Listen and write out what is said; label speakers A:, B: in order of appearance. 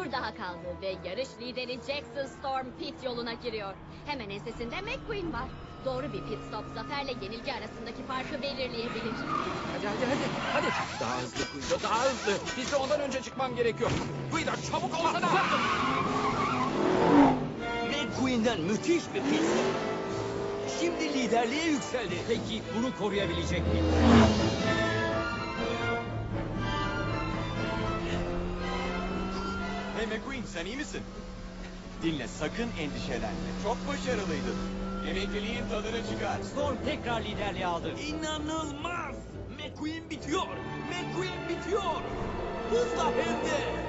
A: tur daha kaldı ve yarış lideri Jackson Storm pit yoluna giriyor. Hemen ensesinde McQueen var. Doğru bir pit stop zaferle yenilgi arasındaki farkı belirleyebilir.
B: Hadi. Daha hızlı Guido, daha hızlı. Piste ondan önce çıkmam gerekiyor. Guido çabuk olsana.
C: McQueen'den müthiş bir pit stop. Şimdi liderliğe yükseldi.
B: Peki bunu koruyabilecek mi?
D: Hey McQueen, sen iyi misin? Dinle, sakın endişelenme. Çok başarılıydın. Emekliliğin tadını çıkar.
C: Storm tekrar liderliği aldı. İnanılmaz! McQueen bitiyor! McQueen bitiyor! Hızla hem de!